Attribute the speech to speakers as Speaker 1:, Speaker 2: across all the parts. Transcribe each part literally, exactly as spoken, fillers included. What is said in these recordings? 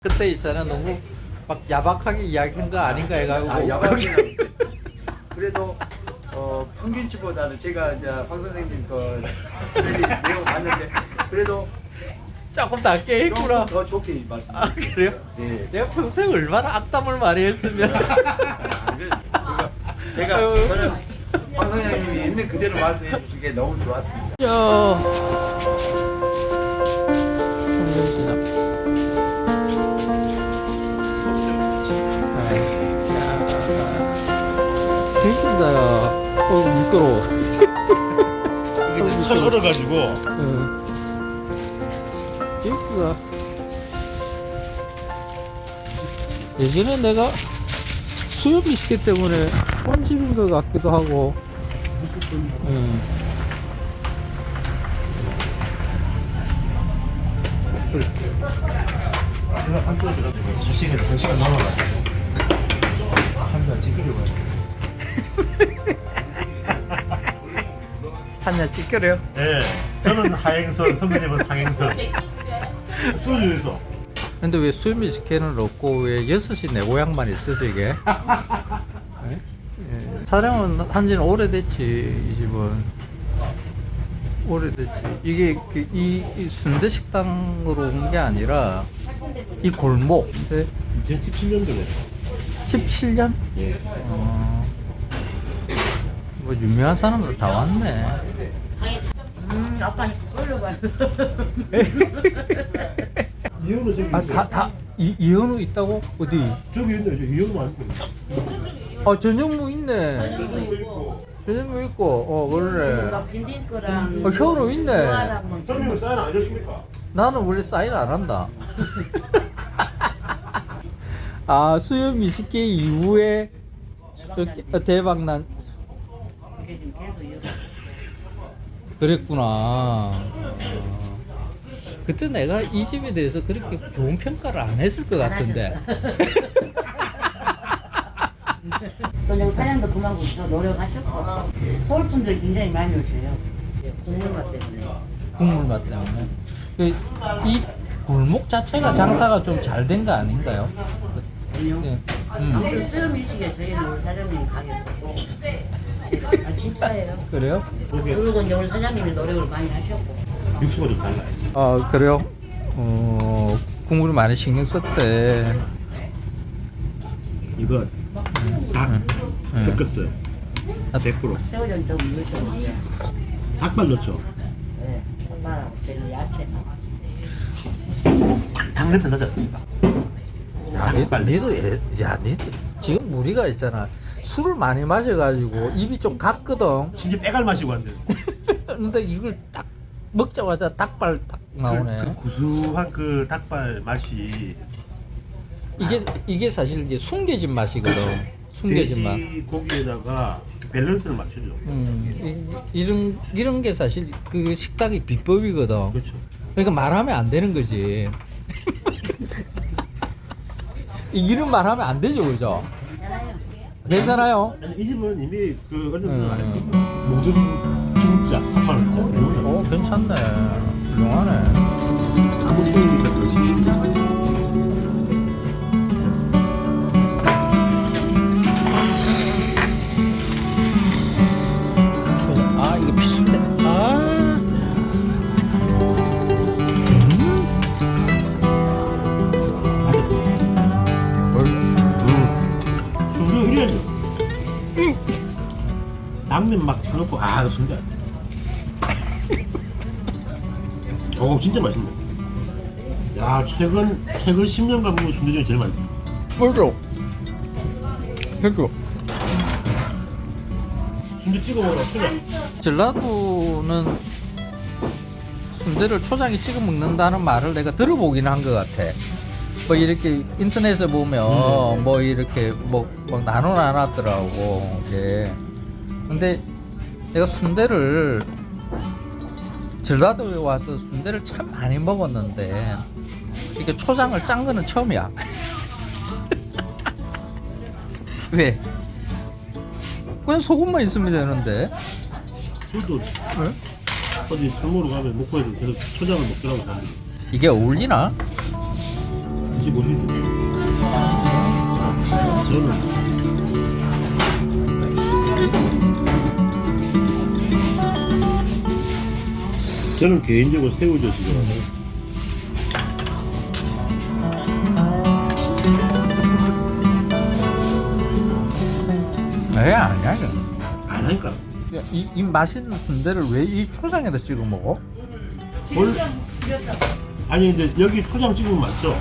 Speaker 1: 그때 있잖아 너무 막 야박하게 이야기한 거 아닌가 해가지고
Speaker 2: 아, 야박이 그래도 어, 평균치보다는 제가 이제 황 선생님 그 내용 봤는데 그래도
Speaker 1: 조금 낮게 했구나.
Speaker 2: 조금 더 좋게 말씀.
Speaker 1: 아 그래요?
Speaker 2: 네.
Speaker 1: 내가 평소에 얼마나 악담을 많이 했으면
Speaker 2: 아, 그래. 제가, 제가
Speaker 1: 아유.
Speaker 2: 저는 황 선생님이 있는 그대로 말씀해 주시기에 너무 좋았습니다.
Speaker 1: 야 성경시장 재밌다. 어 미끄러워.
Speaker 3: 이게 털 얼어가지고
Speaker 1: 응. 재밌다. 예전에 내가 수염 미스켓 때문에 혼집인 것 같기도 하고. 응.
Speaker 3: 제가 한쪽에 들어가지고 수시에서 한 시간 남아가지고 한잔 찍으려고 해요.
Speaker 1: 한잔 찍으래요?
Speaker 3: 예, 저는 하행선, 선배님은 상행선. 수유에서.
Speaker 1: 근데 왜 수염 미스켓은 없고 왜 여섯 시 내 고향만 있어서 이게? 예? 예. 촬영은 한지는 오래됐지 이 집은. 오래됐지. 이게 그 이, 이 순대 식당으로 온 게 아니라 이 골목. 네?
Speaker 3: 이천십칠 년도에.
Speaker 1: 십칠 년?
Speaker 3: 예.
Speaker 1: 어, 뭐 유명한 사람들 다 왔네.
Speaker 4: 음, 아빠는 끌려가요.
Speaker 3: 이현우 저기.
Speaker 1: 아, 다, 다, 이, 이현우 있다고? 어디?
Speaker 3: 저기 있네, 저 이현우 아니고.
Speaker 1: 아, 전현무 있네. 전현무 있고, 어, 그러네.
Speaker 4: 막 딘딘 거랑.
Speaker 1: 어, 현우 있네.
Speaker 3: 선배님 사인 안 해줬습니까?
Speaker 1: 나는 원래 사인 안 한다. 아, 수염 미식계 이후에 또 대박난.
Speaker 4: 그게 지금 계속 이어져.
Speaker 1: 그랬구나. 어. 그때 내가 이 집에 대해서 그렇게 좋은 평가를 안 했을 것 같은데.
Speaker 4: 또 여기 사장도 그만큼 또 노력하셨고 서울 분들 굉장히 많이 오세요. 예, 국물맛 때문에.
Speaker 1: 국물 맛 때문에. 그, 이 골목 자체가 장사가 좀 잘 된 거 아닌가요?
Speaker 4: 아니요.
Speaker 1: 네. 음.
Speaker 4: 아무튼 수염이시게 저희는 우리 사장님 가게고. 아 진짜예요.
Speaker 1: 그래요?
Speaker 4: 그리고 이제 우리 사장님이 노력을 많이 하셨고.
Speaker 3: 육수가 좀 달라요.
Speaker 1: 아, 그래요? 어, 국물을 많이 신경 썼대.
Speaker 3: 이거 닭
Speaker 1: 응.
Speaker 3: 섞었어요. 백 퍼센트.
Speaker 4: 새우젓 좀 넣으셨는데.
Speaker 3: 닭발 넣죠.
Speaker 4: 네. 엄마랑 저희 야채.
Speaker 3: 닭 냄새 나지 않습니까?
Speaker 1: 야, 니도, 니도, 예- 야, 니도 지금 무리가 있잖아. 술을 많이 마셔가지고 입이 좀 갔거든.
Speaker 3: 심지어 빼갈 마시고 한대.
Speaker 1: 근데 이걸 딱 먹자마자 닭발 딱 나오네.
Speaker 3: 그, 그 구수한 그 닭발 맛이
Speaker 1: 이게 이게 사실 이제 숨겨진 맛이거든. 숨겨진 맛.
Speaker 3: 돼지 고기에다가 밸런스를 맞추죠.
Speaker 1: 음, 이, 이런 이런 게 사실 그 식당의 비법이거든.
Speaker 3: 그렇죠.
Speaker 1: 그러니까 말하면 안 되는 거지. 이런 말하면 안 되죠, 그죠?
Speaker 4: 괜찮아요.
Speaker 1: 괜찮아요.
Speaker 3: 아니, 이 집은 이미 그 어느
Speaker 1: 음.
Speaker 3: 정도 안 했고 모든 진짜 삼만 원짜리.
Speaker 1: 오, 괜찮네. 훌륭하네.
Speaker 3: 아무 소용이 없듯이.
Speaker 1: 아, 이게 피순대. 아.
Speaker 3: 우리가 이래야죠. 당면 막 쳐놓고 아 순대. 오 진짜 맛있네. 야 최근 최근 십 년간 먹은 순대 중에 제일 맛있어.
Speaker 1: 뭘로? 해줘.
Speaker 3: 순대 찍어 먹으라 초장.
Speaker 1: 전라도는 순대를 초장에 찍어 먹는다는 말을 내가 들어보긴 한 것 같아. 뭐 이렇게 인터넷에 보면
Speaker 3: 음.
Speaker 1: 뭐 이렇게 뭐, 뭐 나눠 놨더라고. 이게. 근데 내가 순대를 전라도에 와서 순대를 참 많이 먹었는데 이게 초장을 짠 거는 처음이야. 왜? 그냥 소금만 있으면 되는데.
Speaker 3: 저도
Speaker 1: 네?
Speaker 3: 어디 술 먹으러 가면 목포에서 계속 초장을 먹더라고 사람들이.
Speaker 1: 이게 어울리나?
Speaker 3: 드셔보시죠. 저는 저는 개인적으로 새우젓이 좋아요.
Speaker 1: 에 아니야 이거.
Speaker 3: 안 하니까.
Speaker 1: 야, 이, 이 맛있는 순대를 왜 이 초장에다 찍어 먹어?
Speaker 3: 뭘? 아니 근데 여기 초장 찍으면 맞죠?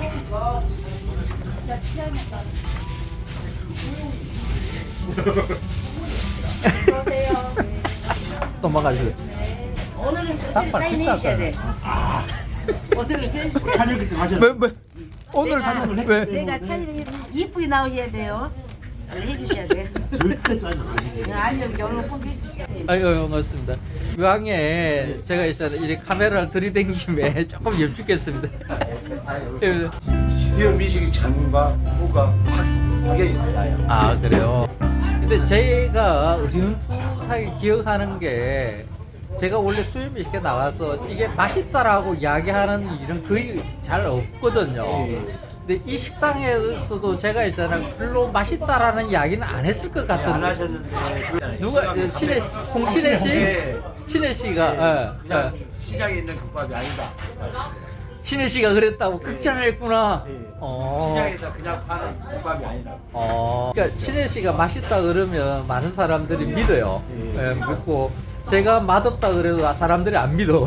Speaker 1: 또 먹어야지.
Speaker 4: 오늘은
Speaker 1: 닭발
Speaker 4: 사인 해주셔야 돼.
Speaker 3: 아,
Speaker 4: 오늘은 해주셔야 돼.
Speaker 3: 촬영 때 하셔야
Speaker 1: 왜, 왜? 오늘
Speaker 4: 내가-
Speaker 1: 사는 왜?
Speaker 4: 내가 촬영해 이쁘게 나오셔야 돼요. 해주셔야 돼.
Speaker 3: 절대 싸지 마시고.
Speaker 4: 아니요, 여러 번 해주셔야 돼.
Speaker 1: 아이고 반갑습니다. 유황에 제가 있잖아 이 카메라를 들이댄 김에 조금 여쭙겠습니다. 예.
Speaker 2: 수요 미식의 전과 후가 확 확연히 달라요.
Speaker 1: 아 그래요. 근데 제가 어렴풋하게 기억하는 게 제가 원래 수염이 이렇게 나와서 이게 맛있다라고 이야기하는 일은 거의 잘 없거든요. 근데 이 식당에서도 제가 있잖아 별로 맛있다라는 이야기는 안 했을 것
Speaker 2: 안
Speaker 1: 같은데
Speaker 2: 하셨는데 그-
Speaker 1: 누가 그 신혜 홍신혜 씨 신혜 씨가 예,
Speaker 2: 그냥
Speaker 1: 예.
Speaker 2: 시장에 있는 국밥이 아니다.
Speaker 1: 신혜 씨가 그랬다고 극찬을 했구나.
Speaker 2: 예.
Speaker 1: 어.
Speaker 2: 시장에서 그냥 파는 국밥이 아니다.
Speaker 1: 어. 그러니까 신혜 씨가 맛있다 그러면 많은 사람들이 믿어요.
Speaker 2: 예.
Speaker 1: 예, 믿고 제가 맛없다 그래도 사람들이 안 믿어.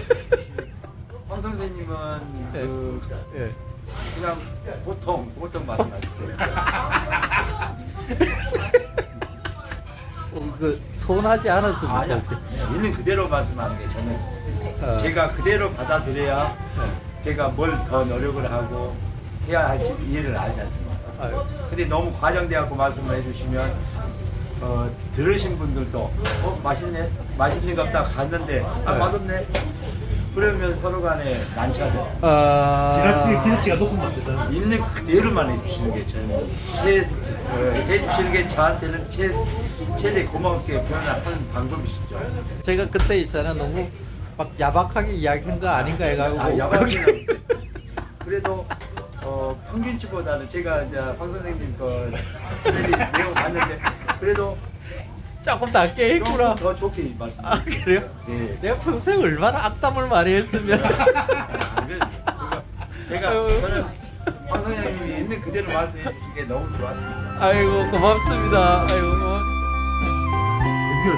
Speaker 2: 황 선생님은
Speaker 1: 예.
Speaker 2: 그
Speaker 1: 예.
Speaker 2: 그냥 보통 보통 말씀하세요.
Speaker 1: 어, 그 서운하지 않았습니까
Speaker 2: 아니야.
Speaker 1: 혹시?
Speaker 2: 있는 그대로 말씀하는 게 저는
Speaker 1: 어.
Speaker 2: 제가 그대로 받아들여야 제가 뭘 더 노력을 하고 해야 할지 이해를 알지 않습니까?
Speaker 1: 아유.
Speaker 2: 근데 너무 과장돼갖고 말씀을 해주시면 어, 들으신 분들도 어 맛있네 맛있는 것 같다 갔는데 아
Speaker 1: 네.
Speaker 2: 맛없네 그러면 서로 간에 난처하죠.
Speaker 1: 아.
Speaker 3: 지나치게 기대치가 높으면 안 되잖아.
Speaker 2: 있는 그대로만 해주시는 게 저는 최 어, 해주시는 게 저한테는 최 최대 고맙게 표현하는 방법이시죠.
Speaker 1: 제가 그때 있잖아 너무 막 야박하게 이야기한 거 아닌가 해가지고
Speaker 2: 아 야박이는 그래도 어, 평균치보다는 제가 이제 황 선생님 거 텔레비 내용 봤는데 그래도
Speaker 1: 조금 낮게 했구나.
Speaker 2: 조금 더 좋게 말씀.
Speaker 1: 아 그래요?
Speaker 2: 네.
Speaker 1: 내가 평소에 얼마나 악담을 많이 했으면.
Speaker 2: 아, 그래. 그거 제가
Speaker 1: 아유.
Speaker 2: 저는 황 선생님이 있는 그대로 말씀해 주시게 너무 좋았습니다.
Speaker 1: 아이고 고맙습니다. 아이고 고맙.
Speaker 3: 드디어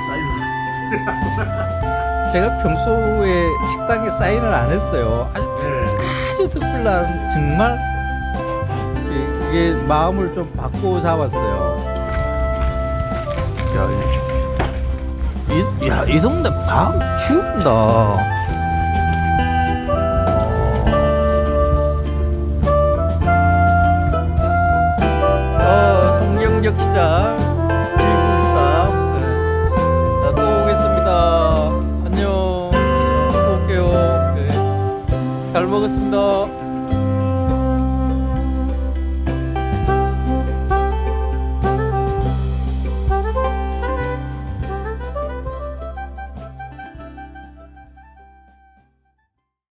Speaker 3: 사이즈.
Speaker 1: 제가 평소에 식당에 사인을 안 했어요. 아주
Speaker 3: 네.
Speaker 1: 아주 특별한 정말 이- 이게 마음을 좀 바꿔 잡았어요. 야, 이, 이, 야, 이 동네 밤 죽는다.